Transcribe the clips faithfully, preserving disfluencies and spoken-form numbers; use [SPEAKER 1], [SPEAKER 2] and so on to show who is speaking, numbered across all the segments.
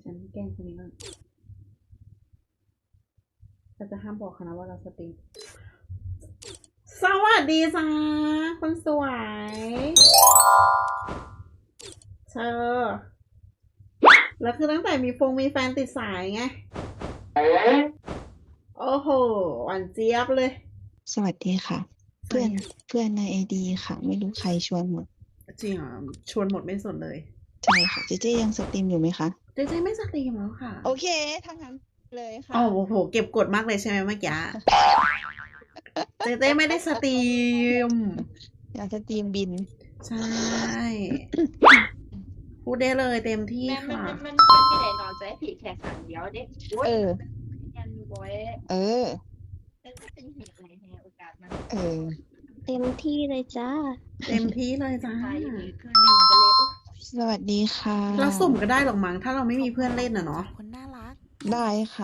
[SPEAKER 1] ฉันแกล้งคนนี้ก่อนแต่จะห้ามบอกเขานะว่าเราสตรีมสวัสดีจ้าคนสวยเธอแล้วคือตั้งแต่มีฟงมีแฟนติดสายไงโอ้โหหวานเจี๊ยบเลย
[SPEAKER 2] สวัสดีค่ะ เพื่อนเพื่อนในไอดีค่ะ ไม่รู้ใครชวนหมด
[SPEAKER 1] จริงเหรอชวนหมดไม่สนเลย
[SPEAKER 2] ใช่ค่ะ เจเจยังสตรีมอยู่ไหมคะ
[SPEAKER 1] เจเจไม่สตรีมแล้วค่ะ
[SPEAKER 2] โอเคถ้างั้นเลยค่ะ
[SPEAKER 1] อ๋อโอ้โหเก็บกดมากเลยใช่ไหมเมื่อกี้ เจเจไม่ได้สตรีม
[SPEAKER 2] อยากสตรีมบิน
[SPEAKER 1] ใช่ พูดได้เลยเต็มที่
[SPEAKER 3] แม่มัน
[SPEAKER 1] ค่ะ
[SPEAKER 3] มันมันมันมีไหนนอนใจผีแค่ขังเดียวเด็ก
[SPEAKER 2] เออ
[SPEAKER 3] ยันบอย
[SPEAKER 2] เออ
[SPEAKER 3] แล้วก็เป็นเหตุอะไรในโอกาสมัน
[SPEAKER 2] เออ
[SPEAKER 4] เต็มที่เลยจ้า
[SPEAKER 1] เต็มที่เลยจ้า
[SPEAKER 3] ตายอยู่ดีคือหนึ่งกันเลยโอ้
[SPEAKER 2] สวัสดีค่ะ
[SPEAKER 1] เราสุ่มก็ได้หรอกมั้งถ้าเราไม่มีเพื่อนเล่นอ่ะเนาะ
[SPEAKER 5] คนน่ารัก
[SPEAKER 2] ได้ค่ะ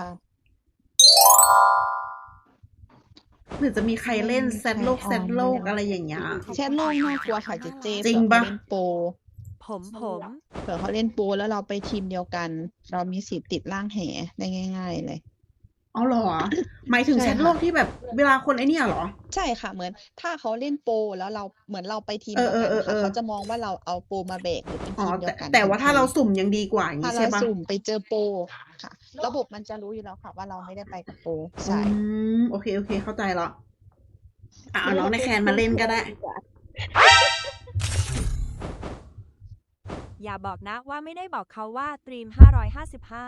[SPEAKER 1] หรือจะมีใครเล่นแซดโลกแซดโลกอะไรอย่างเงี้ย
[SPEAKER 2] แชทโลกน่ากลัวค่ะเจเจ
[SPEAKER 1] จริงปะ
[SPEAKER 2] เผื่อเขาเล่นโปร
[SPEAKER 5] ผมผม
[SPEAKER 2] เผื่อเขาเล่นโปรแล้วเราไปทีมเดียวกัน เรามีสิทธิ์ติดร่างแหได้ง่าย ๆ เลย
[SPEAKER 1] อ๋อเหรอ หมายถึง
[SPEAKER 2] ใช่
[SPEAKER 1] แช
[SPEAKER 2] ค่ะ
[SPEAKER 1] ทโลกที่แบบเวลาคนไอเนี่ยเหรอ
[SPEAKER 2] ใช่ค่ะ เหมือนถ้าเขาเล่นโปรแล้วเราเหมือนเราไปทีม
[SPEAKER 1] เอ
[SPEAKER 2] เดี
[SPEAKER 1] อ
[SPEAKER 2] ยว
[SPEAKER 1] เออ
[SPEAKER 2] กัน
[SPEAKER 1] เออ
[SPEAKER 2] ค่ะเขาจะมองว่าเราเอาโปรมาแบกหรือเป็น
[SPEAKER 1] อ๋อ
[SPEAKER 2] ทีมเดี
[SPEAKER 1] แต่
[SPEAKER 2] ยวกัน
[SPEAKER 1] แต่ว่าถ้าเรา
[SPEAKER 2] ทันที
[SPEAKER 1] สุ่มยังดีกว่าอย่าง
[SPEAKER 2] ถ้า
[SPEAKER 1] นี้
[SPEAKER 2] เรา
[SPEAKER 1] ใช่ปะ
[SPEAKER 2] สุ่มไปเจอโปรค่ะ ระบบมันจะรู้อยู่แล้วค่ะ ว่าเราไม่ได้ไปกับโปรใช่
[SPEAKER 1] อืมโอเคโอเคเข้าใจแล้วอ่ะเอาน้องในแคนมาเล่นก็ได้
[SPEAKER 5] อย่าบอกนะว่าไม่ได้บอกเขาว่าตรีมห้าร้อยห้าสิบห้า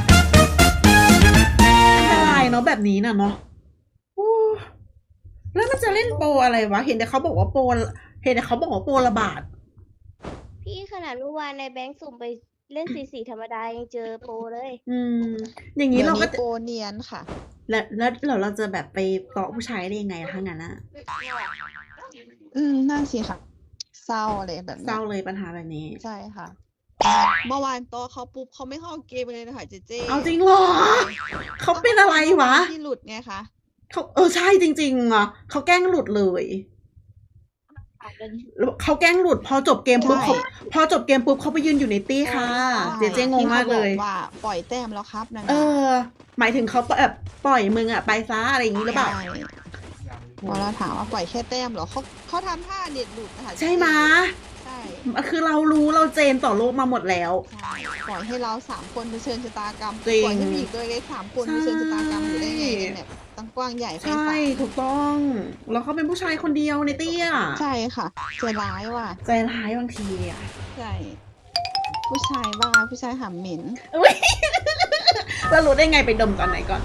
[SPEAKER 1] ไม่เป็นไรเนาะแบบนี้น่ะเนาะโอ้แล้วมันจะเล่นโปรอะไรวะ เห็นแต่เขาบอกว่าโปรเห็นแต่เขาบอกว่าโปรระบาด
[SPEAKER 4] พี่ขนาดเมื่อวานในแบงค์สุ่มไปเล่นสีสีธรรมดายังเจอโปรเลย
[SPEAKER 1] อืม อย่างนี้
[SPEAKER 2] เดี๋ยว
[SPEAKER 1] เราก็
[SPEAKER 2] นี้
[SPEAKER 1] จะ
[SPEAKER 2] โปรเนียนค่ะ
[SPEAKER 1] แล้วแล้วแล้วเราจะแบบไปเกาะผู้ชายได้ยังไงอะทั้งนั้นอะ
[SPEAKER 2] อืมนั่นสิค่ะ เศร้าเลยแบบ
[SPEAKER 1] เศ
[SPEAKER 2] นี้
[SPEAKER 1] ร้าเลยปัญหาแบบนี้
[SPEAKER 2] ใช่ค่ะ เมื่อวานโตะเขาปุ๊บเขาไม่เข้าเกมเลยนะคะเจเจ
[SPEAKER 1] เอาจริงเหรอ เขาเป็นอะไรวะ
[SPEAKER 2] ที่หลุดไงคะ
[SPEAKER 1] เขาเออใช่จริงๆอ่ะเขาแกล้งหลุดเลย
[SPEAKER 3] อาจจะ
[SPEAKER 1] เขาแกล้งหลุดพอจบเกมปุ๊บ
[SPEAKER 2] ใช่
[SPEAKER 1] เขาพอจบเกมปุ๊บเขาไปยืนอยู่ในตี้ค่ะ เจเจงงมากเลย
[SPEAKER 2] ที่ขบอกว่าปล่อยแต้มแล้วครับนั่น
[SPEAKER 1] เอ
[SPEAKER 2] น่ะ
[SPEAKER 1] อ หมายถึงเขาแบบปล่อยมึงอะไปซะอะไรอย่างนี้หรือเปล่า
[SPEAKER 2] ใช่พอเราถามว่าปล่อยแค่แต้มเหรอเขาเขาทำท่าเด็ดหลุดนะคะ
[SPEAKER 1] ใช่ไหม
[SPEAKER 2] ใช่
[SPEAKER 1] คือเรารู้เราเจนต่อโลกมาหมดแล้ว
[SPEAKER 2] ใช่ปล่อยให้เราสามคนเผชิญชะตากรรม
[SPEAKER 1] จริง
[SPEAKER 2] ปล่อยให้ผู้หญิงตัวเล็กสามคน
[SPEAKER 1] ใช่
[SPEAKER 2] เผชิญชะตากรรมอยู่ได้ไงในแบบตั้งกว้างใหญ่ไฟ
[SPEAKER 1] ใช่
[SPEAKER 2] สาม
[SPEAKER 1] ถูกต้อง แล้วเขาเป็นผู้ชายคนเดียวในตี้อะ
[SPEAKER 2] ใช่ค่ะใจร้ายว่ะ
[SPEAKER 1] ใจร้ายบางทีอะ
[SPEAKER 2] ใช่ผู้ชายบ้าผู้ชายหำเหม็น
[SPEAKER 1] อุ๊ยแล้วรู้ได้ไงไปดมตอนไหนก่อน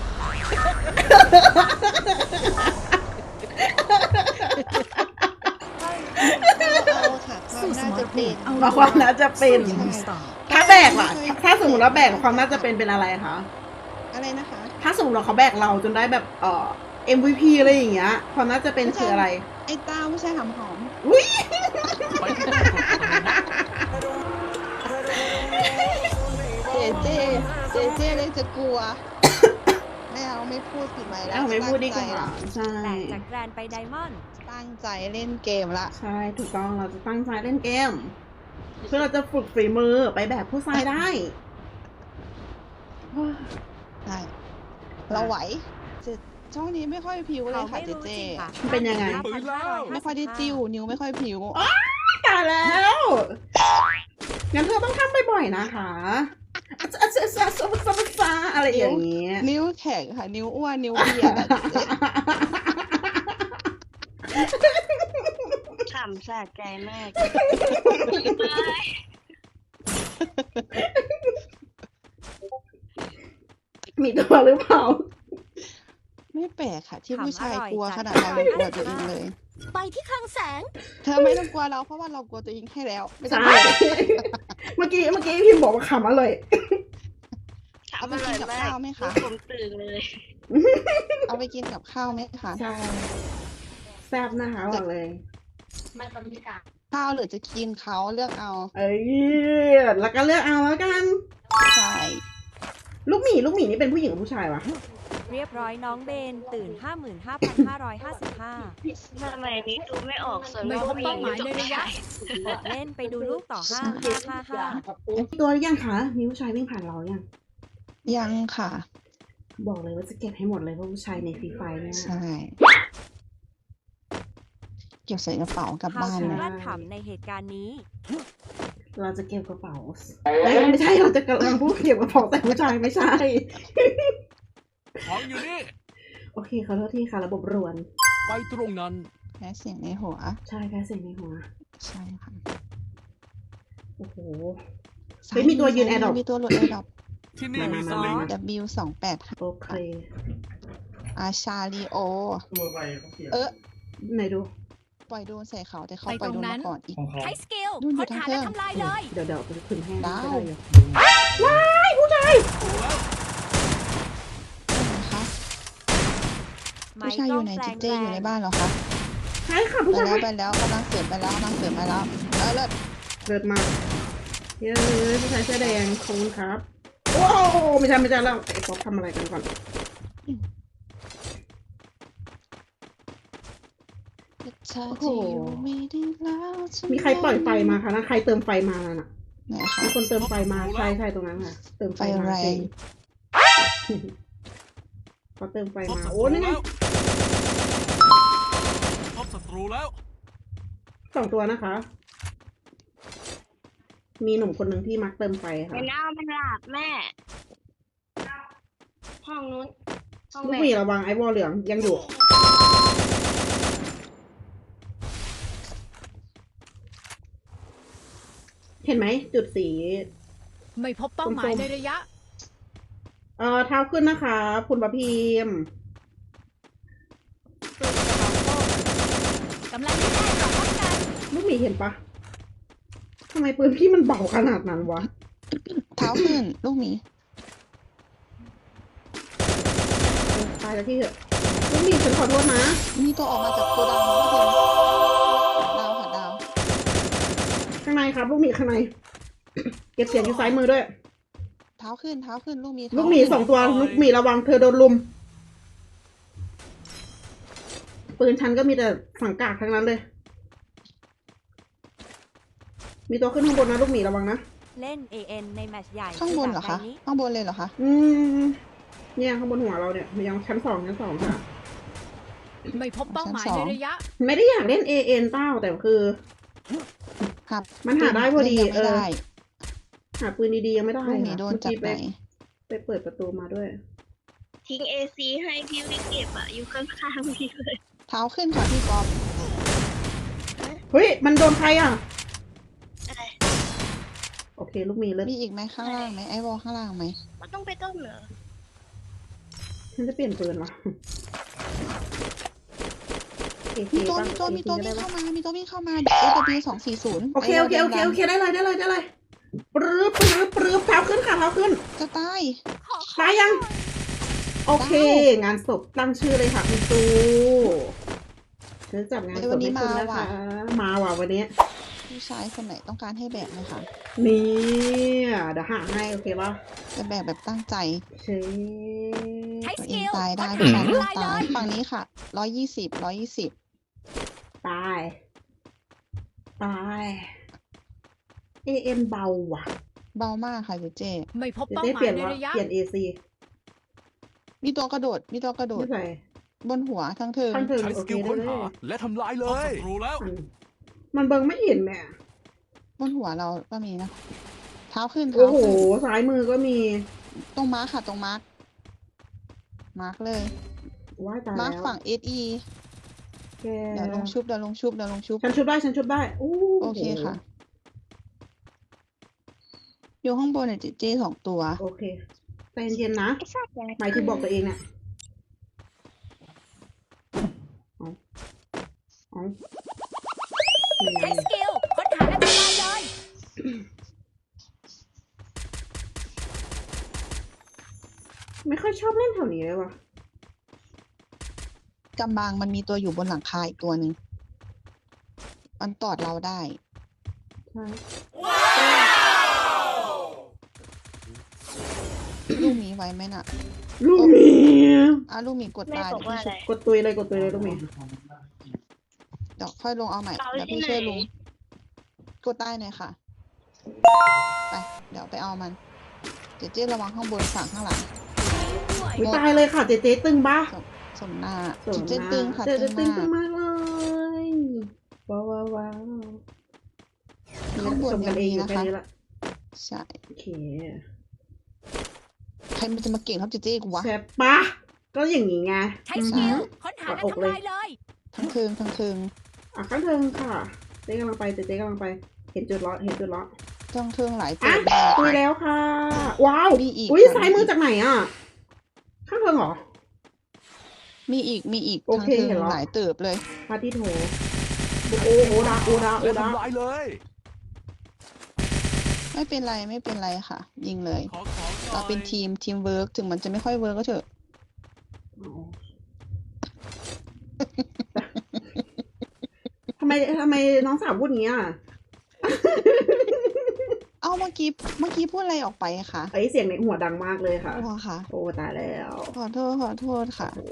[SPEAKER 2] เอาค่ะความน่าจะเป็น
[SPEAKER 1] มาความน่าจะเป็น
[SPEAKER 2] ใช่
[SPEAKER 1] ถ้าแบกล่ะ ถ้าสมมติว่าแบกความน่าจะเป็นเป็นอะไรคะ
[SPEAKER 2] อะไรนะคะ
[SPEAKER 1] ถ้าสมมติว่าเขาแบกเราจนได้แบบเอ่อ เอ็ม วี พี อะไรอย่างเงี้ย ความน่าจะเป็นคืออะไร
[SPEAKER 2] ไอ้ต้าผู้ชายหำหอม
[SPEAKER 1] อุ้ย
[SPEAKER 2] เจเจเจเจเลยจะกลัว ไม่เอาไม่พูดผิดไหมแล้ว
[SPEAKER 1] เอาไม่พูดดีกว่า
[SPEAKER 2] ตั้งใจละ
[SPEAKER 1] ใช่
[SPEAKER 5] แตกจากแกรนไปไดมอนด์
[SPEAKER 2] ตั้งใจเล่นเกมละ
[SPEAKER 1] ใช่ ถูกต้อง เราจะตั้งใจเล่นเกม เพื่อเราจะฝึกฝีมือไปแบบผู้ชายได้
[SPEAKER 2] ใช่เราไหวเจช่องนี้ไม่ค่อยผิวเล
[SPEAKER 5] เขา
[SPEAKER 2] ยค่ะ
[SPEAKER 5] ไม่
[SPEAKER 2] เจ
[SPEAKER 5] รู้
[SPEAKER 2] เจ
[SPEAKER 5] จริงค่ะ
[SPEAKER 1] เป็นยังไง
[SPEAKER 2] ไม่ค่อยได้จิ้วนิ้วไม่ค่อยผิว
[SPEAKER 1] ตายแล้ว งั้นเธอต้องทำบ่อยๆนะคะอะอะอะอะอะอะอะไรอย่างเงี้ย
[SPEAKER 2] นิ้วแข็งค่ะ นิ้วอ้วนนิ้วเบียดอะเจเจ
[SPEAKER 4] ขำสะใจมาก
[SPEAKER 1] มีตัวหรือเปล่า
[SPEAKER 2] ไม่แปลกค่ะ ที่
[SPEAKER 5] ขำ
[SPEAKER 2] ผู้ชาย
[SPEAKER 5] อร่อย
[SPEAKER 2] กลัว
[SPEAKER 5] จัด
[SPEAKER 2] ขนาดเรายังกลัวตัวเองเลย
[SPEAKER 4] ไปที่คลังแสง
[SPEAKER 2] เธอไม่ต้องกลัวเราเพราะว่าเรากลัวตัวเองให้แล้วไม่ต้อ
[SPEAKER 1] ใช่
[SPEAKER 2] งกลัว
[SPEAKER 1] เมื่อกี้เมื่อกี้พิมพ์บอกว่าขำอร่อย
[SPEAKER 2] เอาไปกินกับข้าวไหมคะ
[SPEAKER 4] ผมตื่นเลย
[SPEAKER 2] เอาไปกินกับข้าวไหมคะ
[SPEAKER 1] ใช่ แซ่บนะคะบอกเลย
[SPEAKER 3] มันบรรยากาศ
[SPEAKER 2] ข้าวหรือจะกินเขาเลือกเอา
[SPEAKER 1] เอ้ย แล้วก็เลือกเอาแล้วกัน
[SPEAKER 2] ใช่
[SPEAKER 1] ลูกหมีลูกหมีนี่เป็นผู้หญิงหรือผู้ชายวะ
[SPEAKER 5] เรียบร้อยน้องเบนตื่น ห้าหมื่นห้าพันห้าร้อยห้าสิบห้า
[SPEAKER 4] ทำไมนี้ดูไม่ออกส่วน
[SPEAKER 5] ไม่
[SPEAKER 4] มาก
[SPEAKER 5] พบ
[SPEAKER 4] ผู้หญิ
[SPEAKER 5] เป้าง หมายในระยะ
[SPEAKER 4] อยู่
[SPEAKER 5] เล่นไปดูลูกต่อห้าห้าห้าห้า
[SPEAKER 1] มีตัวหรือยังคะ มีผู้ชายวิ่งผ่านเรายัง
[SPEAKER 2] ยังค่ะ
[SPEAKER 1] บอกเลยว่าจะเก็บให้หมดเลยเพราะผู้ชายในฟรีไฟเนี่ย
[SPEAKER 2] ใช่ เก็บใส่กระเป๋ากลับ
[SPEAKER 5] How
[SPEAKER 2] บ้าน
[SPEAKER 5] to
[SPEAKER 2] เลย
[SPEAKER 5] กลั้นขำในเหตุการณ์นี้
[SPEAKER 1] เราจะเก็บกระเป๋าเอ้ยไม่ใช่เราจะกำลังพูดเก็บกระเป๋าแต่ผู้ชายไม่ใช่
[SPEAKER 6] ของอยู่นี่
[SPEAKER 1] โอเคขอโทษทีค่ะระบบรวน
[SPEAKER 6] ไปตรงนั้น
[SPEAKER 2] แพ้เสียงในหัว
[SPEAKER 1] ใช่แค่เสียงในหัว
[SPEAKER 2] ใช่ค่ะ
[SPEAKER 1] โอ้โห เฮ้ยมีตัวยืน Adopt
[SPEAKER 2] มีตัวหลุดแอร์ดรอป
[SPEAKER 6] ที่นี่
[SPEAKER 1] มา
[SPEAKER 6] มี
[SPEAKER 1] มา
[SPEAKER 6] สลิง
[SPEAKER 1] มา
[SPEAKER 2] W สองแปด
[SPEAKER 1] โอเค
[SPEAKER 2] อาชาลีโอ เออ
[SPEAKER 1] ไหนดู
[SPEAKER 2] ปล่อยโดนใส่เขาแต่เขา
[SPEAKER 7] ไป
[SPEAKER 2] ปล่อย
[SPEAKER 7] ต
[SPEAKER 2] โด
[SPEAKER 7] รง
[SPEAKER 2] น
[SPEAKER 7] นั้
[SPEAKER 2] มาน ก่อนอีก
[SPEAKER 5] ใช้สกิล
[SPEAKER 2] นู่นอยู่
[SPEAKER 5] ค้น
[SPEAKER 2] ทาง
[SPEAKER 5] หา
[SPEAKER 2] เครื่
[SPEAKER 5] และ
[SPEAKER 2] อง
[SPEAKER 5] ทำลายเลย
[SPEAKER 1] เดี๋ยวเดี๋ยวไปขึ้นแห้ง
[SPEAKER 2] ดาว
[SPEAKER 1] ก็ได้อยู่
[SPEAKER 2] นะคะ
[SPEAKER 5] ไม้
[SPEAKER 2] ผู้ชาย
[SPEAKER 5] ก
[SPEAKER 2] อ
[SPEAKER 5] ล้อง
[SPEAKER 2] ยู่ไหน
[SPEAKER 5] แปล
[SPEAKER 2] จิ
[SPEAKER 5] ง
[SPEAKER 2] เจอยู่ในบ้านเหรอคะ
[SPEAKER 1] ใช่ค่ะ
[SPEAKER 2] ไป
[SPEAKER 1] ผู้ชาย
[SPEAKER 2] แล้วไปแล้วกำลังเสริมไปแล้วกำลังเสริมไปแล้วเออเลิศ
[SPEAKER 1] เกิดมาเย้ยผู้ชายเสื้อแดงขอบคุณครับโอ้ไม่ใช่ไม่ใช่แล้วไอ้ป๊อปทำอะไรกันก่อน
[SPEAKER 2] เธอจะอยู่ไม่ได้แล้วฉัน
[SPEAKER 1] มีใครปล่อยไฟมาคะนะใครเติมไฟมาแล้วน่ะ
[SPEAKER 2] ไหนคะ
[SPEAKER 1] มีคนเติมไฟมาใช่ใช่ตรงนั้นค่ะ เติมไฟ
[SPEAKER 2] ไฟ
[SPEAKER 1] มา
[SPEAKER 2] แรง
[SPEAKER 1] จริงเขาเติมไฟ
[SPEAKER 6] พบ
[SPEAKER 1] มา
[SPEAKER 6] ศัต
[SPEAKER 1] โอ้
[SPEAKER 6] รู
[SPEAKER 1] นี่ไง
[SPEAKER 6] แล้วพบศัตรูแล้ว
[SPEAKER 1] สองตัวนะคะ มีหนุ่มคนหนึ่งที่มักเติมไฟค่ะ
[SPEAKER 4] มันเอามันหลับแม่ ห้องนู้น ห้อง
[SPEAKER 1] ลูก
[SPEAKER 4] แม่
[SPEAKER 1] หมีระวังไอ้วอลเหลืองยังอยู่ เห็นไหมจุดสี
[SPEAKER 7] ไม่พบเป้าหมายในระยะ
[SPEAKER 1] เอ่อเท้าขึ้นนะคะ คุณประพิมพ์
[SPEAKER 7] กำลังที่ได้ต่อป้องกัน
[SPEAKER 1] ลูกหมีเห็นปะทำไมปืนพี่มันเบาขนาดนั้นวะ
[SPEAKER 2] เท้าขึ้นลูกหมี
[SPEAKER 1] เออตายแล้วพี่เถอะลูกหมีฉันขอโทษนะ
[SPEAKER 2] มีตัวออกมาจากโกดังแล้วก็เป็นดาวค่ะดาว
[SPEAKER 1] ข้างในครับ ลูกหมีข้างใน เก็บเสียงอยู่ซ้ายมือด้วย
[SPEAKER 2] เท้าขึ้นเท้าขึ้นลูกหมีเท้า
[SPEAKER 1] ลูกหมี
[SPEAKER 2] ขึ้น
[SPEAKER 1] สองตัว ลูกหมีระวังเธอโดนลุม ปืนฉันก็มีแต่สังกากทั้งนั้นเลย มีตัวขึ้นข้างบนนะลูกหมีระวังนะ
[SPEAKER 5] เล่น เอ เอ็น ในแมตช์ใหญ่
[SPEAKER 2] ข้างบนเหรอคะ
[SPEAKER 5] แบบนี้
[SPEAKER 2] ข้างบนเลยเหรอคะ
[SPEAKER 1] อืมเนี่ยข้างบนหัวเราเนี่ยยังชั้นสองชั้นสองค่ะ
[SPEAKER 7] ไม่พบเป้าหมายในระยะ
[SPEAKER 1] ไม่ได้อยากเล่น เอ เอ็น เต้าแต่คือ
[SPEAKER 2] ครับ
[SPEAKER 1] มันหาได้พอดี
[SPEAKER 2] ยัง
[SPEAKER 1] เอ
[SPEAKER 2] ไม่
[SPEAKER 1] อ
[SPEAKER 2] ได้
[SPEAKER 1] หาปืนดีๆยังไม่ได้
[SPEAKER 2] ลูกหมี
[SPEAKER 1] ค่ะ
[SPEAKER 2] โดนจากไหน
[SPEAKER 1] ไปเปิดประตูมาด้วย
[SPEAKER 4] ทิ้งเอซีให้พี่วิกเก็บอะอยู่ข้างๆพี่เลย
[SPEAKER 2] เท้าขึ้นค่ะพี่กอฟ
[SPEAKER 1] เฮ้ย มันโดนใครอ่ะ
[SPEAKER 4] อะไร
[SPEAKER 1] โอเค ลูกหมีเลิศ
[SPEAKER 2] มีอีกไหมข้างล่างไหมไอวอลข้างล่างไหม
[SPEAKER 4] มันต้องไปต้มเหรอ
[SPEAKER 1] ฉันจะเปลี่ยนปืนวะเอเค
[SPEAKER 2] มีตัว
[SPEAKER 1] ป่ะ
[SPEAKER 2] มีตัวมีตัว
[SPEAKER 1] เอเค
[SPEAKER 2] วิ่ง
[SPEAKER 1] ได้
[SPEAKER 2] เข้า
[SPEAKER 1] ปะ
[SPEAKER 2] มา มีตัววิ่งเข้ามา เอ ว สองสี่ศูนย์
[SPEAKER 1] โอเคโอเคโอเคโอเคได้เลยได้เลยได้เลยปรื้อปรื้อปรื้อเท้าขึ้นค่ะเท้าขึ้น
[SPEAKER 2] จะตาย
[SPEAKER 1] ตายยัง โอเค งานศพตั้งชื่อเลยค่ะคุณตูเธอจับงานศพให้คุณนะคะ มาว่ะวันนี้
[SPEAKER 2] ผู้ชายคนไหนต้องการให้แบกไหมคะ
[SPEAKER 1] นี่เดี๋ยวหาให้โอเคป่ะ
[SPEAKER 2] จะแบกแบบตั้งใจ
[SPEAKER 1] เช่
[SPEAKER 5] ใช้
[SPEAKER 2] ตัว
[SPEAKER 5] ส
[SPEAKER 2] เอ
[SPEAKER 5] กิ
[SPEAKER 2] ง
[SPEAKER 5] ล
[SPEAKER 2] ตายได้
[SPEAKER 5] ค้น
[SPEAKER 2] ผู้
[SPEAKER 5] หา
[SPEAKER 2] ชาย
[SPEAKER 5] และ
[SPEAKER 2] ไม่
[SPEAKER 5] ทำลายเล
[SPEAKER 2] ตาย
[SPEAKER 5] ย
[SPEAKER 2] ฝั่งนี้ค่ะ ร้อยยี่สิบ ร้อยยี่สิบ
[SPEAKER 1] ตาย ตาย เอเอ็นเบาว่ะ
[SPEAKER 2] เบามากค่ะเจเจ
[SPEAKER 7] ไม่พบ
[SPEAKER 1] เดี๋ยว
[SPEAKER 7] เป้า
[SPEAKER 1] ได้
[SPEAKER 7] หมา
[SPEAKER 1] เปลี่ย
[SPEAKER 7] ย
[SPEAKER 1] น
[SPEAKER 7] ใน
[SPEAKER 1] ว่า
[SPEAKER 7] ระยะ
[SPEAKER 1] เปลี่ยนเอซี
[SPEAKER 2] มีตัวกระโดด มีตัวกระโดด
[SPEAKER 1] ไม่ใส่
[SPEAKER 2] บนหัวทั้งเทิง
[SPEAKER 1] ข้างเทิง
[SPEAKER 6] ใช้
[SPEAKER 1] โอ
[SPEAKER 6] ส
[SPEAKER 1] เค
[SPEAKER 6] กิล
[SPEAKER 1] ได้
[SPEAKER 6] ค้น
[SPEAKER 1] เล
[SPEAKER 6] หาย และทำลายเลพบศัยตรูแล้ว
[SPEAKER 1] มันมันเบิงไม่เห็นแม่
[SPEAKER 2] บนหัวเราก็มีนะ เท้าขึ้น
[SPEAKER 1] โอ้
[SPEAKER 2] เท้า
[SPEAKER 1] โห
[SPEAKER 2] ขึ้น
[SPEAKER 1] ซ้ายมือก็มี
[SPEAKER 2] ตรงมาร์คค่ะ ตรงมาร์ค มาร์คเลย
[SPEAKER 1] ว่ายตาย
[SPEAKER 2] มาร์ค
[SPEAKER 1] แล้ว
[SPEAKER 2] ฝั่ง เอส อี
[SPEAKER 1] แก
[SPEAKER 2] เดี๋ยวลงชุบ เดี๋ยวลงชุบ เดี๋ยวลงชุบ
[SPEAKER 1] ฉันชุบได้ ฉันชุบได้โอ้
[SPEAKER 2] โอเคค่ะ อยู่ข้างบนเนี่ยเจเจสองตัว
[SPEAKER 1] โอเคใจเย็นๆนะ
[SPEAKER 4] ไอ้สัตว์ยังไง
[SPEAKER 1] หมายถึงบอกตัวเองเนี่ยเอาเอานี่ไง
[SPEAKER 5] ใช้สกิลค้นหาและทำลายเลย
[SPEAKER 1] ไม่ค่อยชอบเล่นแถวนี้เลยว่ะ
[SPEAKER 2] กำบังมันมีตัวอยู่บนหลังคาอีกตัวหนึ่ง มันตอดเราได้
[SPEAKER 1] ใช่
[SPEAKER 2] ลูกหมีไว้ไหมน่ะ
[SPEAKER 1] ลูกหมี
[SPEAKER 2] อ่ะลูกหมีกด
[SPEAKER 4] แม่
[SPEAKER 2] ตาย
[SPEAKER 4] บอกว่าอะไร
[SPEAKER 1] กดตุยเลยกดตุยเลยลูกหมี
[SPEAKER 2] เดี๋ยวค่อยลงเอาใหม่
[SPEAKER 4] เอา
[SPEAKER 2] เดี๋ยว
[SPEAKER 4] ที่
[SPEAKER 2] พี่ช่วย
[SPEAKER 4] ไหน
[SPEAKER 2] ลุง กดใต้หน่อยค่ะ ไป เดี๋ยวไปเอามันเจเจระวังข้างบนฝั่งข้างหลัง
[SPEAKER 1] อุ๊ยตายเลยค่ะเจเจตึงปะ
[SPEAKER 2] สมสมหน้า
[SPEAKER 1] สวย
[SPEAKER 2] เจเจตึงค่ะ
[SPEAKER 1] เจเจ
[SPEAKER 2] ตึ
[SPEAKER 1] ตึ
[SPEAKER 2] ง
[SPEAKER 1] งตึง
[SPEAKER 2] มาก
[SPEAKER 1] มากเลยว้าวว้าวว้าว
[SPEAKER 2] ข้างบน
[SPEAKER 1] ชมกันเองอยู่
[SPEAKER 2] ยังมีนะคะ
[SPEAKER 1] แค่นี้ละ
[SPEAKER 2] ใช่
[SPEAKER 1] โอเค
[SPEAKER 2] ใครมันจะมาเก่งเท่าเจเจกูวะ
[SPEAKER 1] ใช่ปะก็อย่างนี้ไง
[SPEAKER 5] ใช้
[SPEAKER 1] อื
[SPEAKER 5] ส
[SPEAKER 1] อ
[SPEAKER 5] กิ
[SPEAKER 1] หื
[SPEAKER 5] ล
[SPEAKER 1] อ
[SPEAKER 5] ค้นหาก
[SPEAKER 1] ด
[SPEAKER 5] และ
[SPEAKER 1] อกเลย
[SPEAKER 5] ทำลายเลย
[SPEAKER 2] ทั้งคืนทั้งคืน
[SPEAKER 1] อ่ะข้างเทิงค่ะเจ๊กำลังไปเจ๊เจ๊กำลังไป เห็นจุดล้อเห็นจุดล้อ
[SPEAKER 2] ทั้งคืนหลายตั
[SPEAKER 1] อ่ะ
[SPEAKER 2] ว
[SPEAKER 1] คุยแล้วค่ะ ว้าว
[SPEAKER 2] มีอีก
[SPEAKER 1] อุ้ย
[SPEAKER 2] ค่ะ
[SPEAKER 1] ซ้ายมือจากไหนอ่ะ ข้างเทิงเหรอ
[SPEAKER 2] มีอีกมีอีก
[SPEAKER 1] โอ
[SPEAKER 2] ทั้ง
[SPEAKER 1] เค
[SPEAKER 2] คืน
[SPEAKER 1] เห็นแล้ว
[SPEAKER 2] หลายเติบเลย
[SPEAKER 1] พาที่โถโอ้โอดาโอดาโอ
[SPEAKER 6] และ
[SPEAKER 1] ดา
[SPEAKER 6] ทำลายเลย
[SPEAKER 2] ไม่เป็นไรไม่เป็นไรค่ะ ยิงเลย
[SPEAKER 6] ขอของหน่
[SPEAKER 2] เรา
[SPEAKER 6] อย
[SPEAKER 2] เป็นทีมทีมเวิร์กถึงมันจะไม่ค่อยเวิร์กก็เถอะ
[SPEAKER 1] อ๋อทำไมทำไมน้องสาวพูดอย่างนี้อ่ะ
[SPEAKER 2] เอ้าเมื่อกี้เมื่อกี้พูดอะไรออกไปคะ
[SPEAKER 1] ไอยเสียงในหัวดังมากเลยค่ะ
[SPEAKER 2] โอ้ค่ะ
[SPEAKER 1] โอ้ตายแล้ว
[SPEAKER 2] ขอโทษขอโทษค่ะ
[SPEAKER 1] โอ้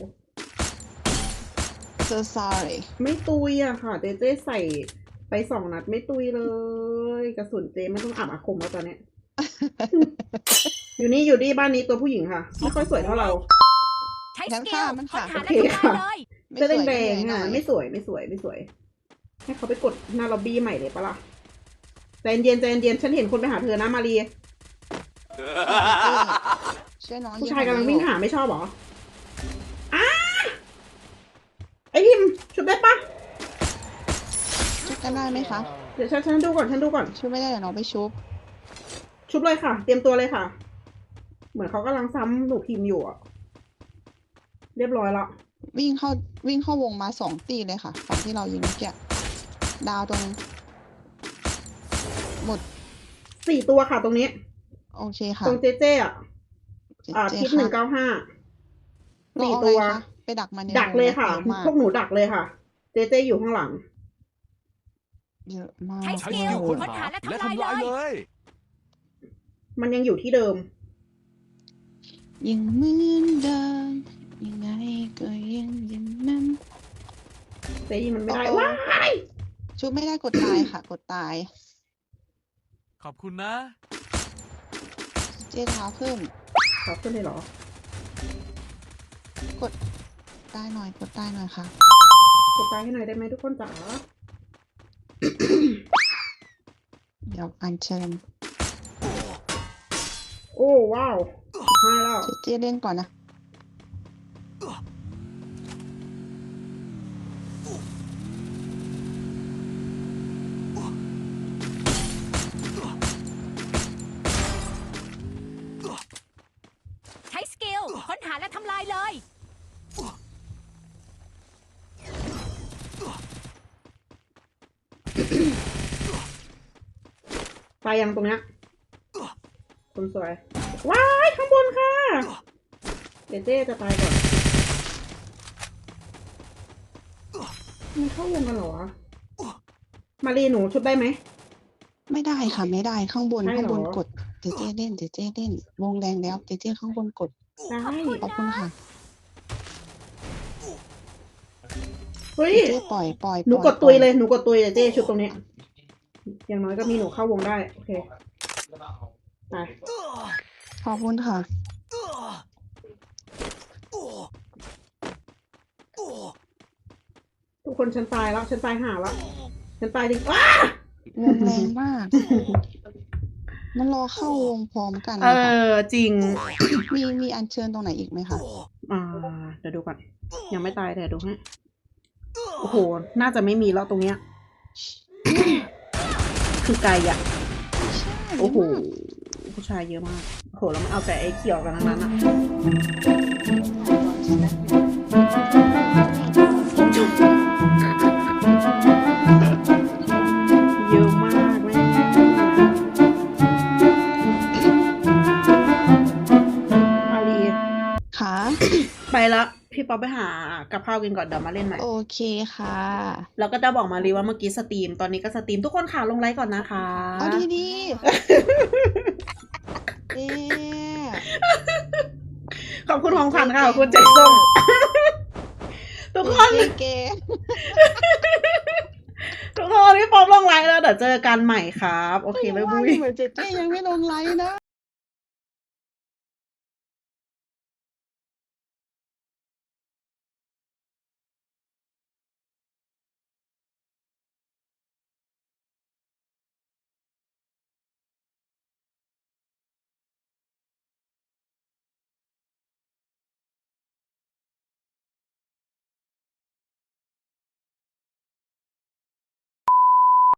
[SPEAKER 2] so sorry
[SPEAKER 1] ไม่ตุยอะค่ะ เจเจใส่ไปสองนัดไม่ตุยเลย กระสุนเจไม่ต้องอาบอาคมแล้วตอนเนี้ย อยู่นี่อยู่นี่บ้านนี้ตัวผู้หญิงค่ะ ไม่ค่อยสวยเท่าเรา
[SPEAKER 5] ใช้
[SPEAKER 2] งั้
[SPEAKER 5] ส
[SPEAKER 2] น
[SPEAKER 5] กิ
[SPEAKER 2] ฆ่า
[SPEAKER 5] ล
[SPEAKER 2] มัน
[SPEAKER 5] ค้น
[SPEAKER 2] ค่ะ
[SPEAKER 5] หาและ
[SPEAKER 1] โอเค
[SPEAKER 5] ทำลาย
[SPEAKER 1] ค่ะ
[SPEAKER 5] เลย
[SPEAKER 2] ไม่
[SPEAKER 1] เสื้อ
[SPEAKER 2] สวย
[SPEAKER 1] แด
[SPEAKER 2] ก็
[SPEAKER 1] ง
[SPEAKER 2] เหนื่อย
[SPEAKER 1] ๆ
[SPEAKER 2] หน่
[SPEAKER 1] อ่ะ
[SPEAKER 2] อย
[SPEAKER 1] ไม่สวยไม่สวยไม่สวย ให้เขาไปกดหน้าล็อบบี้ใหม่เลยปะล่ะใจเย็นใจเย็นฉันเห็นคนไปหาเธอนะมารี
[SPEAKER 2] ช่วยน้อง
[SPEAKER 1] ผู้
[SPEAKER 2] ง
[SPEAKER 1] ชายกำลังวิ่ง
[SPEAKER 2] หน่อย
[SPEAKER 1] หาไม่ชอบเหรออ้าไอพิมพ์ชุบได้ปะ
[SPEAKER 2] ชุบกันได้ไหมคะ
[SPEAKER 1] เดี๋ยวฉันฉันดูก่อนฉันดูก่อน
[SPEAKER 2] ชุบไม่ได้เดี๋ยวน้องไปชุบ
[SPEAKER 1] ชุบเลยค่ะ เตรียมตัวเลยค่ะ เหมือนเขากำลังซ้ำหนูพิมพ์อยู่อะเรียบร้อยละ
[SPEAKER 2] วิ่งเข้าวิ่งเข้าวงมาสองตีเลยค่ะฝั่งที่เรายิงเมื่อกี้ดาวตรง หมด
[SPEAKER 1] สี่ตัวค่ะตรงนี้
[SPEAKER 2] โอเคค่ะ
[SPEAKER 1] ตรงเจเจอะอ่า
[SPEAKER 2] เจ๊
[SPEAKER 1] ทิศ
[SPEAKER 2] ค
[SPEAKER 1] ห
[SPEAKER 2] รั
[SPEAKER 1] นึ่
[SPEAKER 2] บ
[SPEAKER 1] งเก้าห้า
[SPEAKER 2] เรา
[SPEAKER 1] สี่
[SPEAKER 2] เอา
[SPEAKER 1] ตัว
[SPEAKER 2] อะไรคะไปดักมันใน
[SPEAKER 1] ดักเลยค่ะ
[SPEAKER 2] วงนเยอมาก
[SPEAKER 1] พวกหนูดักเลยค่ะ เจเจอยู่ข้างหลัง
[SPEAKER 2] เยอะมาก
[SPEAKER 5] ใช้ส
[SPEAKER 6] ใช้
[SPEAKER 5] กิ
[SPEAKER 6] ส
[SPEAKER 5] ล
[SPEAKER 6] กิลค้น
[SPEAKER 5] ค้น
[SPEAKER 6] หา
[SPEAKER 5] หาและ
[SPEAKER 6] และ
[SPEAKER 5] ทำ
[SPEAKER 6] ทำ
[SPEAKER 5] ลา
[SPEAKER 6] ลาย ย
[SPEAKER 5] เล
[SPEAKER 6] เลย ย
[SPEAKER 1] มันยังอยู่ที่เดิม
[SPEAKER 2] ยังเหมือนเดิมยังไงก็ยังอย่างนั้น
[SPEAKER 1] เจยิงมันไม่ได้
[SPEAKER 2] โอ้โอ้
[SPEAKER 1] ว้าย
[SPEAKER 2] ชุบไม่ได้กดตายค่ะ กดตาย
[SPEAKER 6] ขอบคุณนะ
[SPEAKER 2] เจ๊เท้าขึ้น
[SPEAKER 1] ขอขึ้นเลยเหรอ
[SPEAKER 2] กดตายหน่อยกดตายหน่อยค่ะ
[SPEAKER 1] กดตายให้หน่อยได้ไหมทุกคนจ๋า
[SPEAKER 2] เดี๋ยวอัญเชิญ
[SPEAKER 1] โอ้ว้าวสิบห้าแล้ว
[SPEAKER 2] เจ๊เจ๊เล่นก่อนนะ
[SPEAKER 5] ใช้สกิลค้นหาและทำลายเลย
[SPEAKER 1] ตายยังตรงเนี้ยคนสวย ว้ายข้างบนค่ะเจเจจะตายก่อนมันเข้าวงกันเหรอวะมารีหนูชุบได้ไหม
[SPEAKER 2] ไม่ได้ค่ะไม่ได้ข้างบน
[SPEAKER 1] ใช่เหรอ
[SPEAKER 2] ข้างบนกดเจ๊เจ๊เล่นเจ๊เจ๊เล่น วงแดงแล้วเจ๊เจ๊ข้างบนกด
[SPEAKER 1] ได้
[SPEAKER 2] ขอบคุณค่ะ
[SPEAKER 1] เฮ้ย
[SPEAKER 2] เจ๊เจ๊ปล่อยปล่อย
[SPEAKER 1] หนู
[SPEAKER 2] ป
[SPEAKER 1] ก
[SPEAKER 2] ล่อ
[SPEAKER 1] ดตุยเลย หนูกดตุยเลยเจชุดตรงนี้ อย่างน้อยก็มีหนูเข้าวงได้ โอเค ไป
[SPEAKER 2] ขอบคุณค่ะ
[SPEAKER 1] ทุกคนฉันตายแล้ว ฉันตายห่าแล้ว ฉันตายจริงว้าว
[SPEAKER 2] งแรงมาก มันรอเข้าวงพร้อมกัน
[SPEAKER 1] เอ
[SPEAKER 2] นะคะ
[SPEAKER 1] อ จริง
[SPEAKER 2] มีมีอัญเชิญตรงไหนอีกไหมคะ
[SPEAKER 1] อ่า เดี๋ยวดูก่อน ยังไม่ตายแต่ดูให้ โอ้โห น่าจะไม่มีแล้วตรงเนี้ย คือไกลอ่ะ
[SPEAKER 2] ใช่
[SPEAKER 1] โอ้โห
[SPEAKER 2] เยะมาก
[SPEAKER 1] ผู้ชายเยอะมาก โอ้โห แล้วมันเอาแต่ไอ้เขียวกันทั้งนั้นอ่ะเยอะมากเลยอาลี
[SPEAKER 2] ค่ะ
[SPEAKER 1] ไปแล้ว พี่ป๊อปไปหากับข้าวกินก่อนเดี๋ยวมาเล่นใหม่
[SPEAKER 2] โอเคค่ะ
[SPEAKER 1] แล้วก็จะบอกมารีว่าเมื่อกี้สตรีม ตอนนี้ก็สตรีม ทุกคนค่ะลงไลค์ก่อนนะคะ
[SPEAKER 2] เอาดีดีเอ๊ะ
[SPEAKER 1] ขอบคุณของขวัญค่ะขอบคุณใจส้ม ทุกคน
[SPEAKER 2] เจ๊เก๋
[SPEAKER 1] ทุกคนพี่ป๊อปลงไลค์แล้วเดี๋ยวเจอกันใหม่ครับ โอเคบ๊ายบาย
[SPEAKER 2] เหมือนเจ๊เจ๊ยังไม่ลงไลน์นะ